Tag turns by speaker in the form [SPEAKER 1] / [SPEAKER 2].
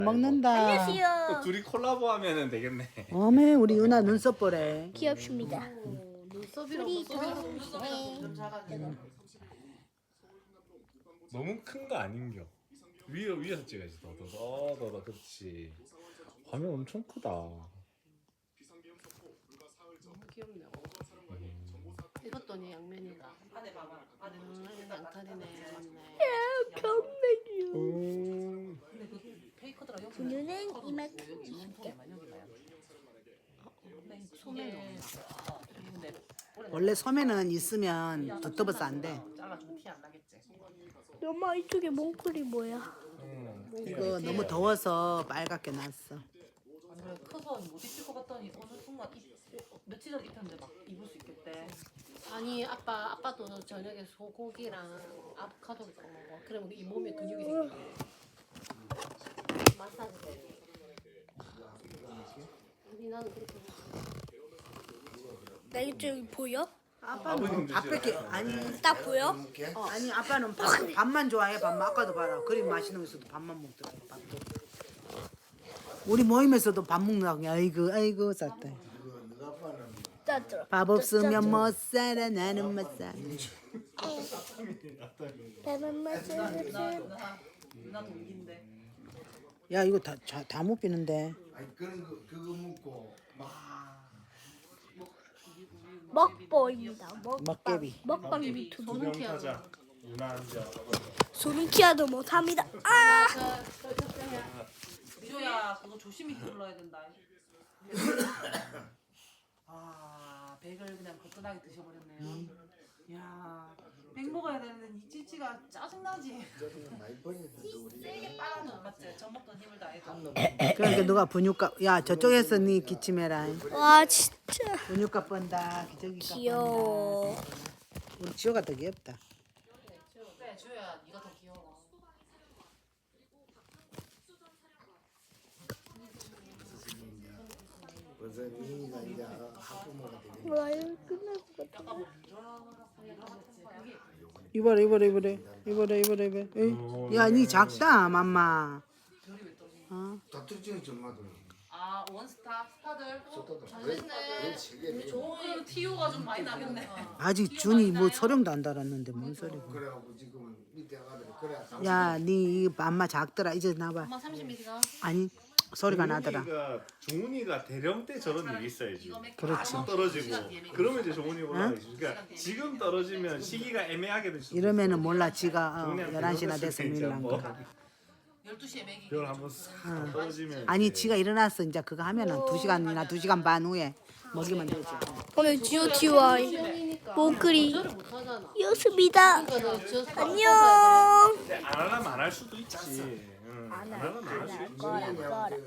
[SPEAKER 1] 먹는다.
[SPEAKER 2] 안녕하세요.
[SPEAKER 3] 둘이 콜라보 하면은 되겠네.
[SPEAKER 1] 어메 우리 유나 눈썹 보래.
[SPEAKER 2] 귀엽습니다.
[SPEAKER 4] 눈썹이랑
[SPEAKER 3] 너무 큰 거 아닌겨. 위에서 찍어야지. 더 그렇지. 화면 엄청 크다.
[SPEAKER 4] 귀엽네. 이것도 양면이다. 안에 봐봐. 양털이네. 맞네. 페이커더라.
[SPEAKER 2] 분유는 이만큼.
[SPEAKER 4] 소매.
[SPEAKER 1] 원래 소매는 있으면 두터워서 안 돼.
[SPEAKER 4] 잘라주면 티 안 나겠지.
[SPEAKER 2] 엄마 이쪽에 몽클이 뭐야?
[SPEAKER 1] 이거 너무 더워서 빨갛게 났어.
[SPEAKER 4] 안 그래 커서 못 입힐 것 같더니 어느 순간 며칠 전 입혔는데 막 입을 수 있겠대. 아니 아빠도 저녁에 소고기랑 아보카도를 꼭 먹어. 그러면 이 몸에 근육이 생겨. 마사지 돼. 아니 나는 그렇게
[SPEAKER 2] 나 이쪽이 보여?
[SPEAKER 1] 아빠는 앞에 아니
[SPEAKER 2] 딱 보여?
[SPEAKER 1] 아니 아빠는 밥만 좋아해. 밥만 아까도 봐라. 그리 맛있는 거 있어도 밥만 먹더라. 밥도. 우리 모임에서도 밥 먹는다고. 아이고 쌌다.
[SPEAKER 2] 따뜻해.
[SPEAKER 1] 밥 없으면 못 살아 나는 못 살아.
[SPEAKER 2] 배만 맞으
[SPEAKER 4] 누나 동기인데.
[SPEAKER 1] 야 이거 다 못 비는데.
[SPEAKER 5] 아니 그거 먹고 막
[SPEAKER 2] 먹보입니다.
[SPEAKER 1] 먹개비.
[SPEAKER 2] 먹방 유튜브.
[SPEAKER 4] 손은 피하고.
[SPEAKER 3] 유나 앉아.
[SPEAKER 2] 소름 키워도 못합니다. 아!
[SPEAKER 4] 미조야 그거 조심히 눌러야 된다. 아 백을 그냥 거뜬하게 드셔버렸네요. 야, 백 먹어야 되는데 이 찌찌가 짜증나지.
[SPEAKER 5] 많이 버리는데 우리
[SPEAKER 4] 세게 빨아줘 맞지? 젖 먹던 힘을 다해서.
[SPEAKER 1] 그러니까 누가 분유값 야 저쪽에서 니 기침해라.
[SPEAKER 2] 와 진짜
[SPEAKER 1] 분유값 번다. 저기 값
[SPEAKER 2] 귀여워.
[SPEAKER 1] 번다. 우리 지호가 더 귀엽다.
[SPEAKER 4] 그래 주야 네가 더 귀여워.
[SPEAKER 5] 벌써 미니가 이제 학부모가 되겠네.
[SPEAKER 2] 와 이거 끝날 것 같아.
[SPEAKER 1] 이봐라. 야니 작다 맘마.
[SPEAKER 5] 다투증이 좀 많더라.
[SPEAKER 4] 아 원스타 스타들.
[SPEAKER 5] 왜 세계
[SPEAKER 4] 좋은 티오가 좀 많이 나겠네.
[SPEAKER 1] 아직 준이 뭐 소령도 안 달았는데 뭔 소리고.
[SPEAKER 5] 그래갖고 지금 밑에 가더니 그래.
[SPEAKER 1] 야니 맘마 작더라. 이제 나봐.
[SPEAKER 4] 엄마 30ml가.
[SPEAKER 1] 아니 소리가 나더라.
[SPEAKER 3] 종훈이가 대령 때 저런 일이 있어야지.
[SPEAKER 1] 그렇지.
[SPEAKER 3] 떨어지고 그러면 이제 종훈이 올라가지. 그러니까 지금 떨어지면 시기가 애매하게 될 수.
[SPEAKER 1] 이러면은 몰라 지가 11시나 돼서 밀란 거.
[SPEAKER 4] 12시에 먹이.
[SPEAKER 3] 별 한번 싹 떨어지면.
[SPEAKER 1] 아니
[SPEAKER 3] 이제
[SPEAKER 1] 지가 일어났어 이제 그거 하면은 2시간이나 2시간 반 후에 먹이면 되지.
[SPEAKER 2] 오늘 GOTY 몽클이
[SPEAKER 4] 조절을 못 하잖아.
[SPEAKER 2] 였습니다.
[SPEAKER 4] 그러니까 저
[SPEAKER 2] 안녕.
[SPEAKER 3] 근데 안 하려면 안 할 수도 있지. 안 하려면 안 할 수 있지.
[SPEAKER 2] 거라.